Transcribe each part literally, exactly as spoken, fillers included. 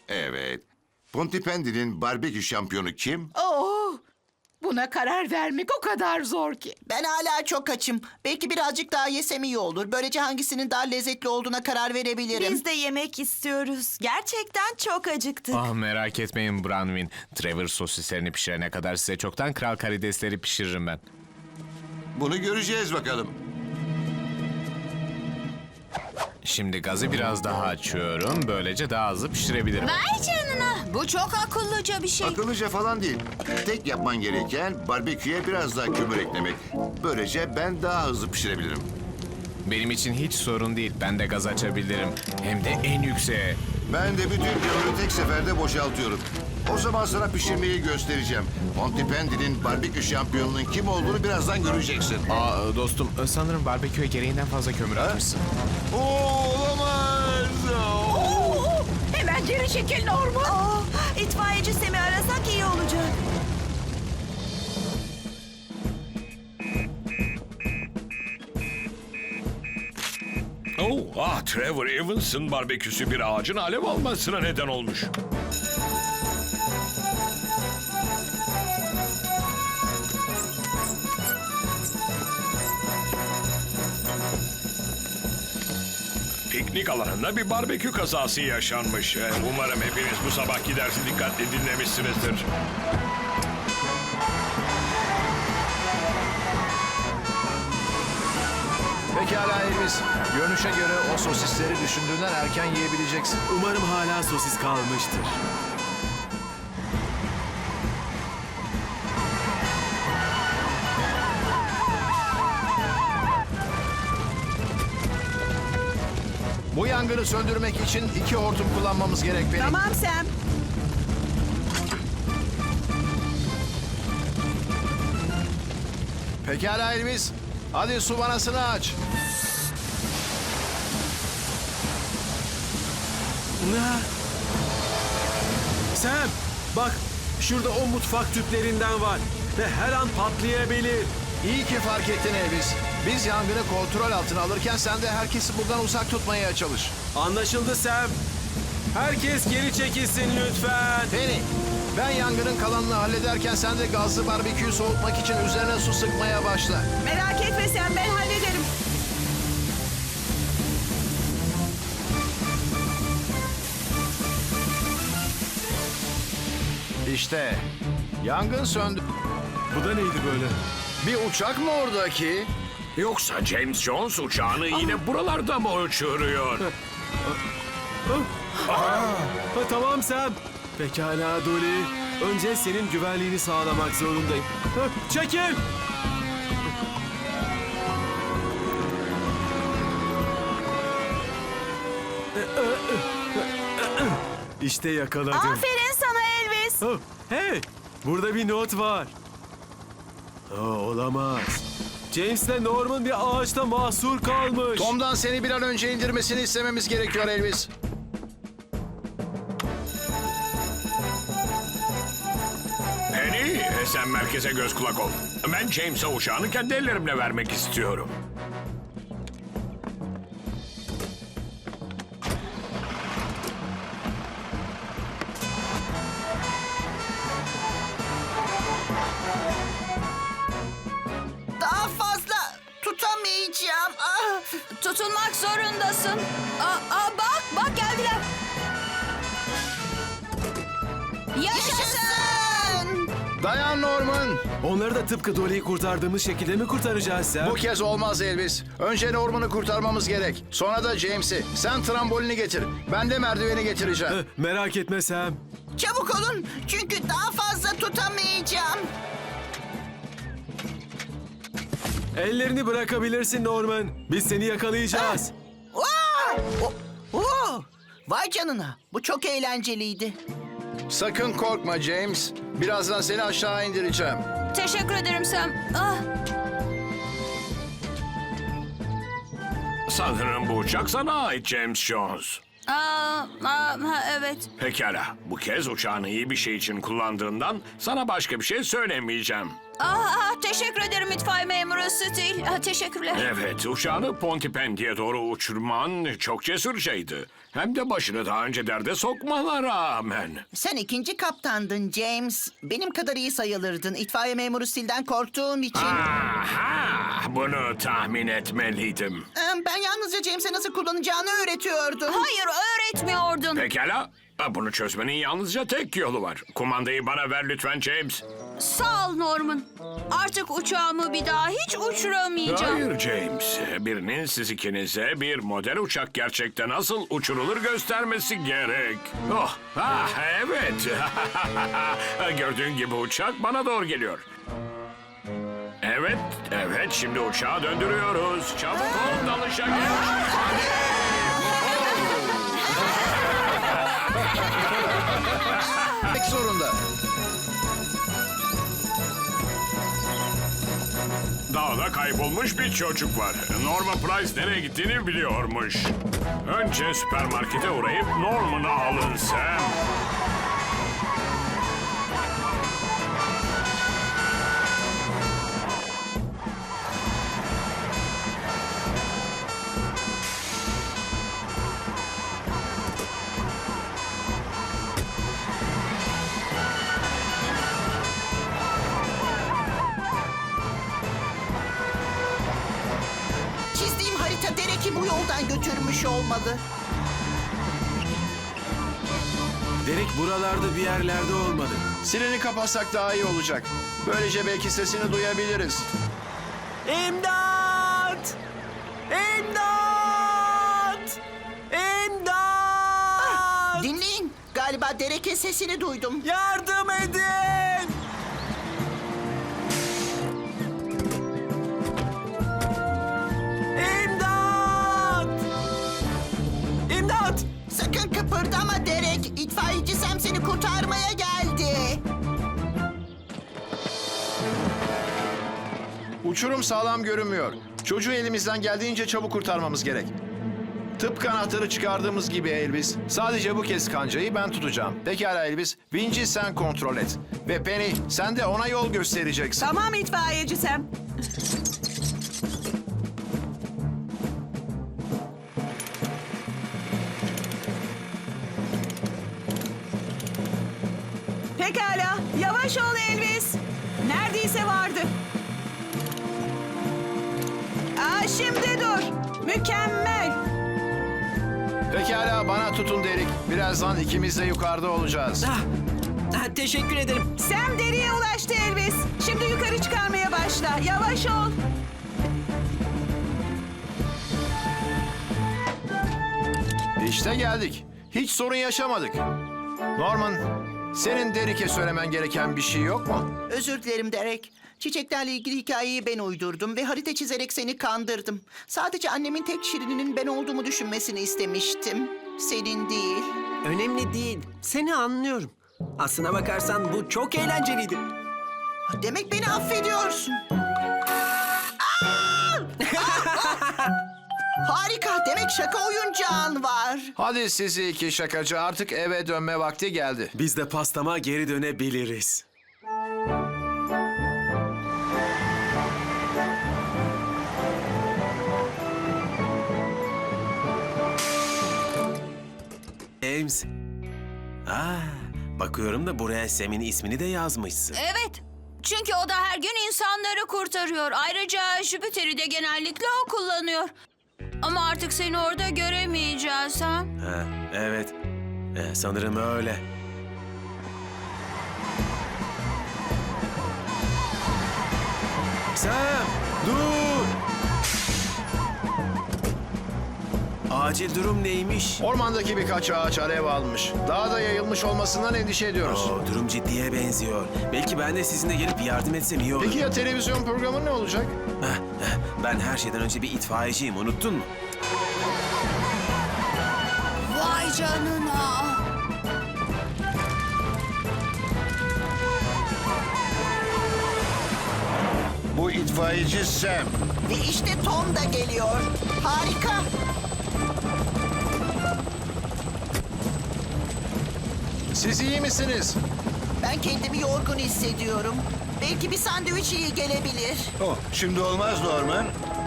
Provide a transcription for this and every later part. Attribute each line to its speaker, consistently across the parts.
Speaker 1: Evet. Pontypandy'nin barbekü şampiyonu kim?
Speaker 2: Oh, buna karar vermek o kadar zor ki.
Speaker 3: Ben hala çok açım. Belki birazcık daha yesem iyi olur. Böylece hangisinin daha lezzetli olduğuna karar verebilirim.
Speaker 4: Biz de yemek istiyoruz. Gerçekten çok acıktık.
Speaker 5: Ah merak etmeyin Branwyn. Trevor sosislerini pişirene kadar size çoktan kral karidesleri pişiririm ben.
Speaker 1: Bunu göreceğiz bakalım.
Speaker 5: Şimdi gazı biraz daha açıyorum. Böylece daha hızlı pişirebilirim.
Speaker 6: Vay canına. Bu çok akıllıca bir şey.
Speaker 1: Akıllıca falan değil. Tek yapman gereken barbeküye biraz daha kömür eklemek. Böylece ben daha hızlı pişirebilirim.
Speaker 5: Benim için hiç sorun değil. Ben de gaz açabilirim. Hem de en yükseğe.
Speaker 1: Ben de bütün kömürü tek seferde boşaltıyorum. O zaman sana pişirmeyi göstereceğim. Pontypandy'nin barbekü şampiyonunun kim olduğunu birazdan göreceksin.
Speaker 5: Aa dostum sanırım barbeküye gereğinden fazla kömür atmışsın.
Speaker 1: Oo, olamaz.
Speaker 2: Oo, hemen geri çekil Norman.
Speaker 4: Aa, itfaiyeci Sem'i arasak iyi olacak.
Speaker 7: Oh, ah Trevor Evans'ın barbeküsü bir ağacın alev almasına neden olmuş. Piknik alanında bir barbekü kazası yaşanmış. Ee, Umarım hepiniz bu sabahki dersi dikkatli dinlemişsinizdir.
Speaker 8: Pekala Elvis. Görünüşe göre o sosisleri düşündüğünden erken yiyebileceksin.
Speaker 9: Umarım hala sosis kalmıştır.
Speaker 8: Bu yangını söndürmek için iki hortum kullanmamız gerek benim.
Speaker 4: Tamam Sem.
Speaker 8: Pekala Elvis. Hadi su vanasını aç.
Speaker 9: Ne? Sam, bak şurada o mutfak tüplerinden var ve her an patlayabilir.
Speaker 8: İyi ki fark ettin Elvis. Biz yangını kontrol altına alırken sen de herkesi buradan uzak tutmaya çalış.
Speaker 9: Anlaşıldı Sam. Herkes geri çekilsin lütfen.
Speaker 8: Penny, ben yangının kalanını hallederken sen de gazlı barbeküyü soğutmak için üzerine su sıkmaya başla.
Speaker 4: Merak etme Sem, ben hallederim.
Speaker 8: İşte yangın söndü.
Speaker 9: Bu da neydi böyle?
Speaker 8: Bir uçak mı oradaki?
Speaker 7: Yoksa James Jones uçağını yine buralarda mı uçuruyor?
Speaker 9: Ha, tamam Sam. Pekala Dolly. Önce senin güvenliğini sağlamak zorundayım. Ha, çekil. İşte yakaladım.
Speaker 4: Aferin sana Elvis.
Speaker 9: Oh, hey, burada bir not var. Oh, olamaz. James'le Norman bir ağaçta mahsur kalmış.
Speaker 8: Tom'dan seni bir an önce indirmesini istememiz gerekiyor Elvis.
Speaker 7: Penny, e, sen merkeze göz kulak ol. Ben James'e uçağını kendi ellerimle vermek istiyorum.
Speaker 3: Daha fazla tutamayacağım. Ah.
Speaker 6: Tutunmak zorundasın. Aa, aa, bak, bak geldiler. Yaşasın.
Speaker 3: Yaşasın!
Speaker 8: Dayan Norman.
Speaker 9: Onları da tıpkı Dolly'yi kurtardığımız şekilde mi kurtaracağız Sam?
Speaker 8: Bu kez olmaz Elvis. Önce Norman'ı kurtarmamız gerek. Sonra da James'i. Sen trambolini getir. Ben de merdiveni getireceğim.
Speaker 9: Eh, merak etme Sam.
Speaker 3: Çabuk olun çünkü daha fazla tutamayacağım.
Speaker 9: Ellerini bırakabilirsin Norman. Biz seni yakalayacağız.
Speaker 3: Vaa! O- Oo! Vay canına, bu çok eğlenceliydi.
Speaker 8: Sakın korkma James. Birazdan seni aşağı indireceğim.
Speaker 6: Teşekkür ederim Sam. Ah,
Speaker 7: Sanırım bu uçak sana ait James Jones.
Speaker 6: aa, aa, ha, evet.
Speaker 7: Pekala, bu kez uçağını iyi bir şey için kullandığından sana başka bir şey söylemeyeceğim.
Speaker 6: Aa, teşekkür ederim itfaiye memuru Stil. Aa, teşekkürler.
Speaker 7: Evet, uçağını Pontypandy'ye doğru uçurman çok cesurcaydı. Hem de başını daha önce derde sokmana rağmen.
Speaker 3: Sen ikinci kaptandın James. Benim kadar iyi sayılırdın. İtfaiye memuru Stil'den korktuğum için.
Speaker 7: Aha, bunu tahmin etmeliydim.
Speaker 3: Ee, Ben yalnızca James'e nasıl kullanacağını öğretiyordum.
Speaker 6: Hayır, öğretmiyordun.
Speaker 7: Pekala, bunu çözmenin yalnızca tek yolu var. Kumandayı bana ver lütfen James.
Speaker 6: Sağ ol Norman. Artık uçağımı bir daha hiç uçuramayacağım.
Speaker 7: Hayır James, birinin siz ikinize bir model uçak gerçekten nasıl uçurulur göstermesi gerek. Oh, ah, evet. Gördüğün gibi uçak bana doğru geliyor. Evet, evet, şimdi uçağı döndürüyoruz. Çabuk ol, dalışa geç.
Speaker 8: Pek zorunda.
Speaker 7: Dağda kaybolmuş bir çocuk var. Norman Price nereye gittiğini biliyormuş. Önce süpermarkete uğrayıp Norman'ı alın Sam.
Speaker 3: Çizdiğim harita Derek'i bu yoldan götürmüş olmalı.
Speaker 9: Derek buralarda bir yerlerde olmalı.
Speaker 8: Sireni kapatsak daha iyi olacak. Böylece belki sesini duyabiliriz.
Speaker 9: İmdat! İmdat! İmdat!
Speaker 3: Dinleyin. Galiba Derek'in sesini duydum.
Speaker 9: Yardım edin! İmdat! İmdat!
Speaker 3: Sakın kıpırdama Derek. İtfaiyeci Sam seni kurtarmaya geldi.
Speaker 8: Uçurum sağlam görünmüyor. Çocuğu elimizden geldiğince çabuk kurtarmamız gerek. Tıpkı anahtarı çıkardığımız gibi Elvis. Sadece bu kez kancayı ben tutacağım. Pekala Elvis. Vinci sen kontrol et. Ve Penny sen de ona yol göstereceksin.
Speaker 4: Tamam itfaiyeci Sam. Pekala. Yavaş ol Elvis. Neredeyse vardı. Aa, şimdi dur. Mükemmel.
Speaker 8: Pekala bana tutun Derek. Birazdan ikimiz de yukarıda olacağız.
Speaker 10: Ah, ah, teşekkür ederim.
Speaker 4: Sam deriye ulaştı Elvis. Şimdi yukarı çıkarmaya başla. Yavaş ol.
Speaker 8: İşte geldik. Hiç sorun yaşamadık. Norman, senin Derek'e söylemen gereken bir şey yok mu?
Speaker 3: Özür dilerim Derek. Çiçeklerle ilgili hikayeyi ben uydurdum ve harita çizerek seni kandırdım. Sadece annemin tek şirininin ben olduğumu düşünmesini istemiştim. Senin değil.
Speaker 10: Önemli değil. Seni anlıyorum. Aslına bakarsan bu çok eğlenceliydi.
Speaker 3: Demek beni affediyorsun. Aa! Harika. Demek şaka oyuncağın var.
Speaker 8: Hadi sizi iki şakacı artık eve dönme vakti geldi.
Speaker 9: Biz de pastama geri dönebiliriz. James. Aa, bakıyorum da buraya Sam'in ismini de yazmışsın.
Speaker 6: Evet. Çünkü o da her gün insanları kurtarıyor. Ayrıca Jüpiter'i de genellikle o kullanıyor. Ama artık seni orada göremeyeceğiz ha?
Speaker 9: Ha, evet. Ee, sanırım öyle. Sam, dur! Acil durum neymiş?
Speaker 8: Ormandaki birkaç ağaç alev almış. Daha da yayılmış olmasından endişe ediyoruz.
Speaker 9: Oo, durum ciddiye benziyor. Belki ben de sizinle gelip yardım etsem iyi olur.
Speaker 8: Peki ya televizyon programı ne olacak?
Speaker 9: Heh, heh, ben her şeyden önce bir itfaiyeciyim, unuttun mu?
Speaker 6: Vay canına.
Speaker 1: Bu itfaiyeci Sam.
Speaker 3: Ve işte Tom da geliyor. Harika.
Speaker 8: Siz iyi misiniz?
Speaker 3: Ben kendimi yorgun hissediyorum. Belki bir sandviç iyi gelebilir.
Speaker 1: Oh, şimdi olmaz Norman.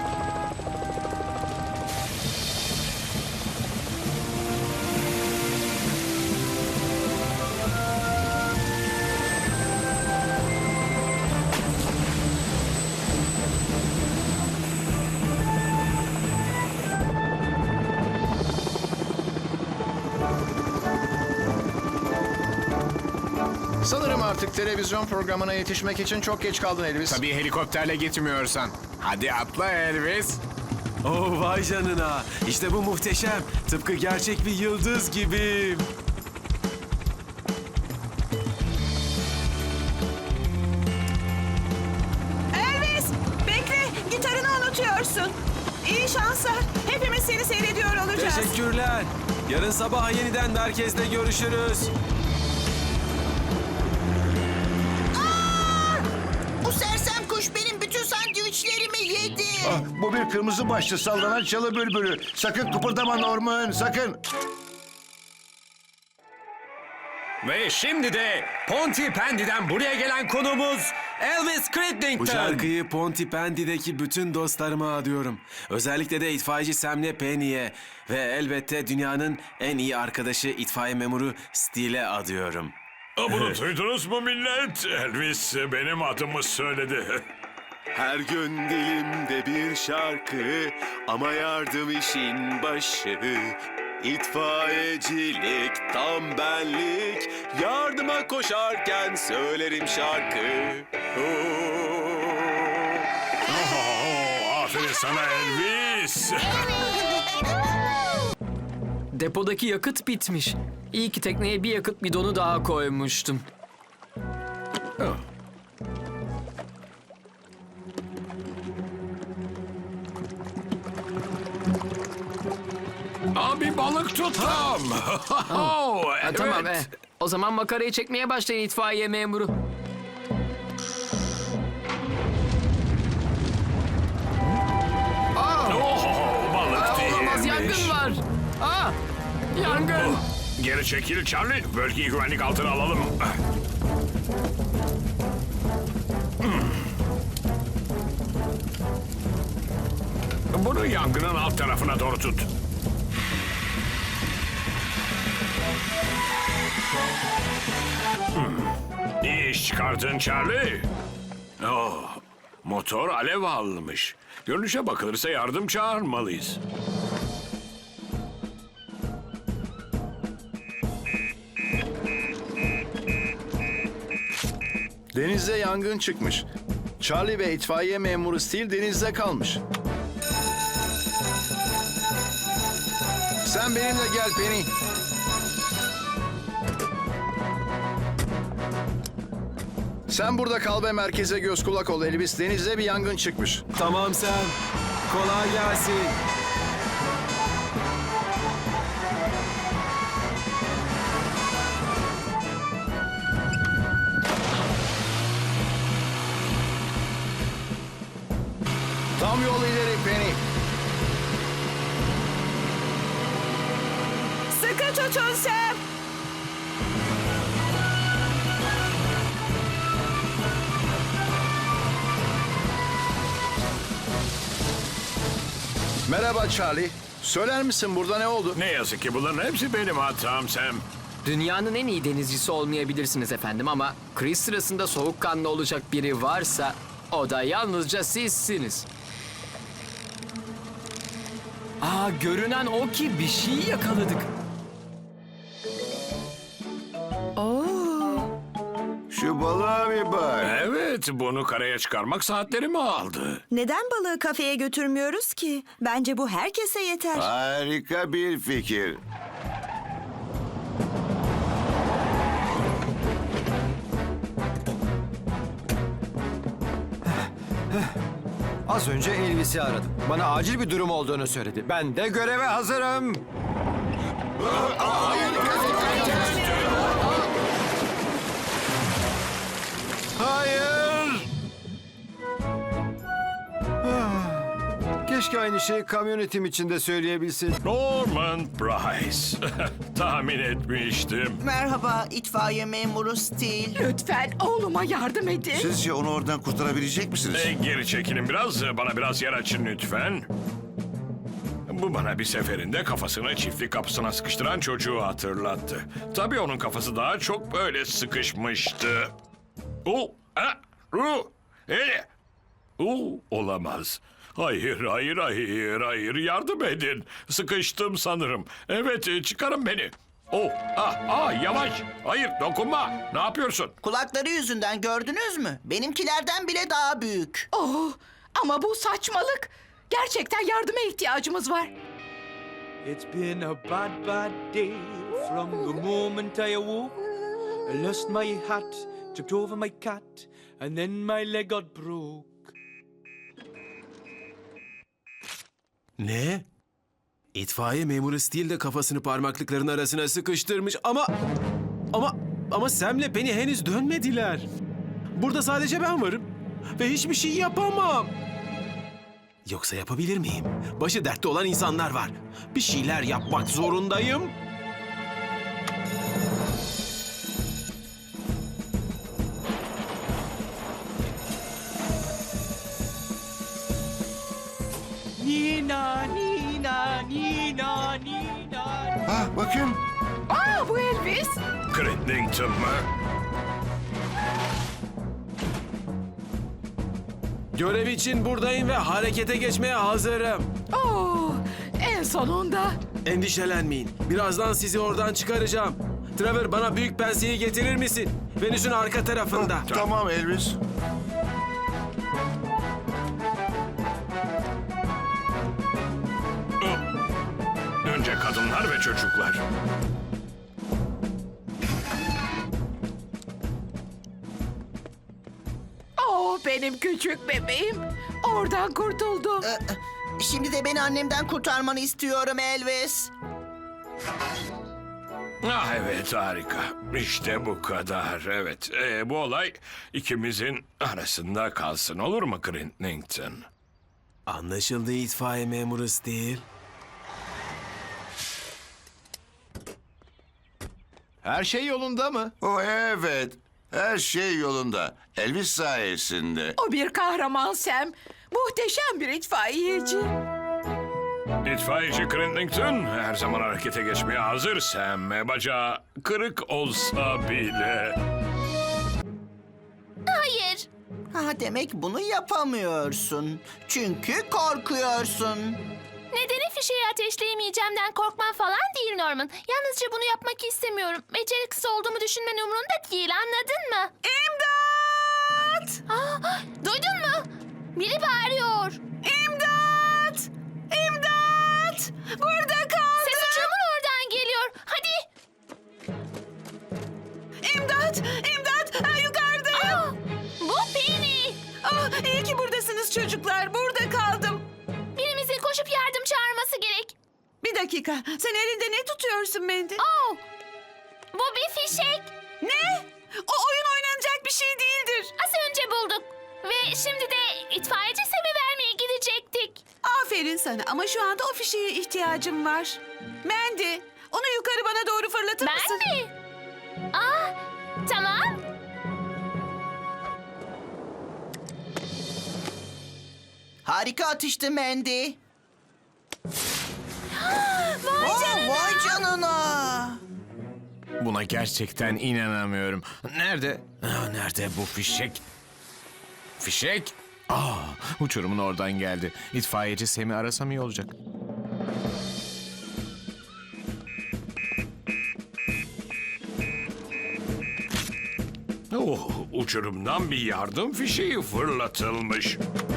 Speaker 8: Sanırım artık televizyon programına yetişmek için çok geç kaldın Elvis.
Speaker 5: Tabii helikopterle gitmiyorsan. Hadi atla Elvis.
Speaker 9: Oh vay canına. İşte bu muhteşem. Tıpkı gerçek bir yıldız gibi.
Speaker 4: Elvis, bekle. Gitarını unutuyorsun. İyi şanslar. Hepimiz seni seyrediyor olacağız.
Speaker 9: Teşekkürler. Yarın sabah yeniden merkezde görüşürüz.
Speaker 3: Bu sersem kuş benim bütün sandviçlerimi yedi.
Speaker 1: Ah, bu bir kırmızı başlı sallanan çalı bülbülü. Sakın kıpırdama Norman, sakın.
Speaker 11: Ve şimdi de Pontypandy'den buraya gelen konuğumuz Elvis Cridlington.
Speaker 9: Bu şarkıyı Pontypandy'deki bütün dostlarıma adıyorum. Özellikle de itfaiyeci Sam'le Penny'e ve elbette dünyanın en iyi arkadaşı itfaiye memuru Steele'e adıyorum.
Speaker 7: Bunu duydunuz mu millet? Elvis benim adımı söyledi.
Speaker 9: Her gün dilimde bir şarkı ama yardım işin başı. İtfaiyecilik tam benlik, yardıma koşarken söylerim şarkı.
Speaker 7: Oh, aferin sana Elvis.
Speaker 12: Depodaki yakıt bitmiş. İyi ki tekneye bir yakıt bidonu daha koymuştum.
Speaker 7: Abi balık tuttum. Oh,
Speaker 12: Ha,
Speaker 7: evet.
Speaker 12: tamam e. O zaman makarayı çekmeye başlayın itfaiye memuru.
Speaker 7: Oh, balık
Speaker 12: Aa, olamaz,
Speaker 7: değilmiş.
Speaker 12: yangın var. Aa, yangın.
Speaker 7: Geri çekil Charlie. Bölgeyi güvenlik altına alalım. Hmm. Bunu yangının alt tarafına doğru tut. Hmm. İyi iş çıkardın Charlie. Oh, motor alev almış. Görünüşe bakılırsa yardım çağırmalıyız.
Speaker 8: Denizde yangın çıkmış. Charlie ve itfaiye memuru Steele denizde kalmış. Sen benimle gel Penny. Sen burada kal ve merkeze göz kulak ol Elvis. Denizde bir yangın çıkmış.
Speaker 9: Tamam sen. Kolay gelsin.
Speaker 8: Tam yol ileri Penny.
Speaker 4: Sıkı tutun Sam.
Speaker 8: Merhaba Charlie. Söyler misin burada ne oldu?
Speaker 7: Ne yazık ki bunların hepsi benim hatam Sam.
Speaker 12: Dünyanın en iyi denizcisi olmayabilirsiniz efendim ama kriz sırasında soğukkanlı olacak biri varsa o da yalnızca sizsiniz. Aa, görünen o ki bir şey yakaladık.
Speaker 1: Şu balığa bir bak.
Speaker 7: Evet, bunu karaya çıkarmak saatlerimi aldı.
Speaker 4: Neden balığı kafeye götürmüyoruz ki? Bence bu herkese yeter.
Speaker 1: Harika bir fikir.
Speaker 11: Az önce Elvis'i aradım. Bana acil bir durum olduğunu söyledi. Ben de göreve hazırım. Hayır! Keşke aynı şeyi kamyonetim için de söyleyebilsin.
Speaker 7: Norman Price. tahmin etmiştim.
Speaker 3: Merhaba itfaiye memuru Steel.
Speaker 2: Lütfen oğluma yardım edin.
Speaker 1: Sizce onu oradan kurtarabilecek misiniz?
Speaker 7: E, geri çekilin biraz, bana biraz yer açın lütfen. Bu bana bir seferinde kafasını çiftlik kapısına sıkıştıran çocuğu hatırlattı. Tabii onun kafası daha çok böyle sıkışmıştı. O, ha, ru, e, o, olamaz. Hayır, hayır, hayır, hayır. Yardım edin. Sıkıştım sanırım. Evet, e, çıkarın beni. Oh, ah, ah, yavaş. Hayır, dokunma. Ne yapıyorsun?
Speaker 3: Kulakları yüzünden gördünüz mü? Benimkilerden bile daha büyük.
Speaker 2: Oh, ama bu saçmalık. Gerçekten yardıma ihtiyacımız var.
Speaker 13: It's been a bad, bad day from the moment I awoke. I lost my hat, tripped over my cat, and then my leg got broke.
Speaker 9: Ne? İtfaiye memuru Steel de kafasını parmaklıkların arasına sıkıştırmış ama... Ama... Ama Sam'le Penny henüz dönmediler. Burada sadece ben varım. Ve hiçbir şey yapamam. Yoksa yapabilir miyim? Başı dertte olan insanlar var. Bir şeyler yapmak zorundayım.
Speaker 13: Nina, Nina, Nina, Nina.
Speaker 1: Ah, bakın.
Speaker 2: Aa, bu Elvis.
Speaker 7: Crittington mı?
Speaker 9: Görev için buradayım ve harekete geçmeye hazırım.
Speaker 2: Oh, en sonunda.
Speaker 9: Endişelenmeyin. Birazdan sizi oradan çıkaracağım. Trevor, bana büyük penseyi getirir misin? Venüs'ün arka tarafında.
Speaker 1: Tamam Elvis.
Speaker 7: Önce kadınlar ve çocuklar.
Speaker 2: Oh, benim küçük bebeğim. Oradan kurtuldu.
Speaker 3: Ee, Şimdi de beni annemden kurtarmanı istiyorum Elvis.
Speaker 7: Ah evet, harika. İşte bu kadar. Evet, Ee, bu olay ikimizin arasında kalsın, olur mu Crittington?
Speaker 9: Anlaşıldı itfaiye memuru Steel.
Speaker 8: Her şey yolunda mı?
Speaker 1: O evet. Her şey yolunda. Elvis sayesinde.
Speaker 2: O bir kahraman Sam. Muhteşem bir itfaiyeci.
Speaker 7: İtfaiyeci Crittington her zaman harekete geçmeye hazır Sam. Bacağı kırık olsa bile.
Speaker 6: Hayır.
Speaker 3: Ha, demek bunu yapamıyorsun. Çünkü korkuyorsun.
Speaker 6: Nedeni fişeği ateşleyemeyeceğimden korkman falan değil Norman. Yalnızca bunu yapmak istemiyorum. Beceriksiz olduğumu düşünmen umurumda değil, anladın mı?
Speaker 4: İmdat!
Speaker 6: Aa, duydun mu? Biri bağırıyor.
Speaker 4: İmdat! İmdat! Burada kaldım.
Speaker 6: Ses uçurumun oradan geliyor. Hadi.
Speaker 4: İmdat! İmdat! Ha, yukarıdayım.
Speaker 6: Aa, bu Penny.
Speaker 4: Ah, iyi ki buradasınız çocuklar. Burada kaldım.
Speaker 6: Birimizin koşup yardım çağırması gerek.
Speaker 4: Bir dakika. Sen elinde ne tutuyorsun Mandy?
Speaker 6: Oh, bu bir fişek.
Speaker 4: Ne? O oyun oynanacak bir şey değildir.
Speaker 6: Az önce bulduk. Ve şimdi de itfaiyeci Sam'i vermeye gidecektik.
Speaker 4: Aferin sana ama şu anda o fişeğe ihtiyacım var. Mandy, onu yukarı bana doğru fırlatır
Speaker 6: Ben
Speaker 4: mısın?
Speaker 6: mi? Aa, tamam.
Speaker 3: Harika atıştı Mandy.
Speaker 6: Vay
Speaker 3: Oh,
Speaker 6: canına.
Speaker 3: vay canına.
Speaker 5: Buna gerçekten inanamıyorum. Nerede? Ah, nerede bu fişek? Fişek? Aa, uçurumun oradan geldi. İtfaiyeci Sam'i arasam iyi olacak.
Speaker 7: Oh, uçurumdan bir yardım fişeği fırlatılmış.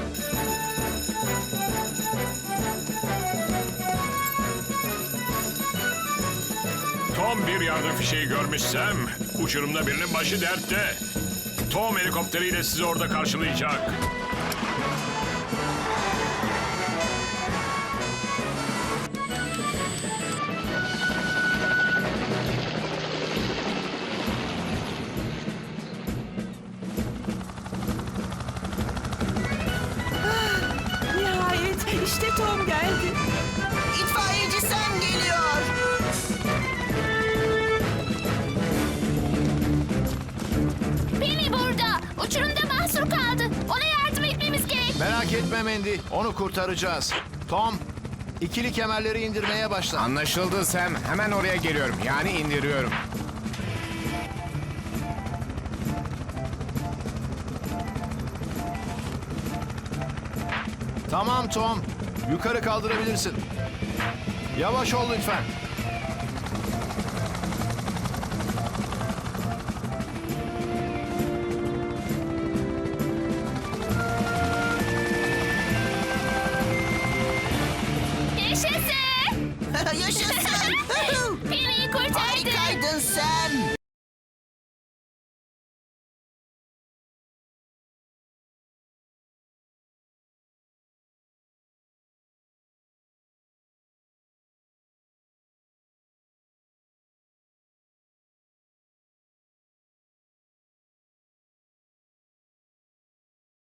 Speaker 7: Tom bir yardım fişeği görmüşsem, uçurumda birinin başı dertte. Tom helikopteriyle sizi orada karşılayacak.
Speaker 4: Nihayet işte Tom geldi.
Speaker 3: İtfaiyeci Sam geliyor.
Speaker 6: mahsur kaldı. Ona yardım etmemiz gerek.
Speaker 8: Merak etme Mandy, onu kurtaracağız. Tom, ikili kemerleri indirmeye başla.
Speaker 5: Anlaşıldı Sam. Hemen oraya geliyorum. Yani indiriyorum.
Speaker 8: Tamam Tom, yukarı kaldırabilirsin. Yavaş ol lütfen.
Speaker 6: Yaşasın.
Speaker 3: Yaşasın.
Speaker 6: Penny'yi kurtardı.
Speaker 3: Harikaydın sen.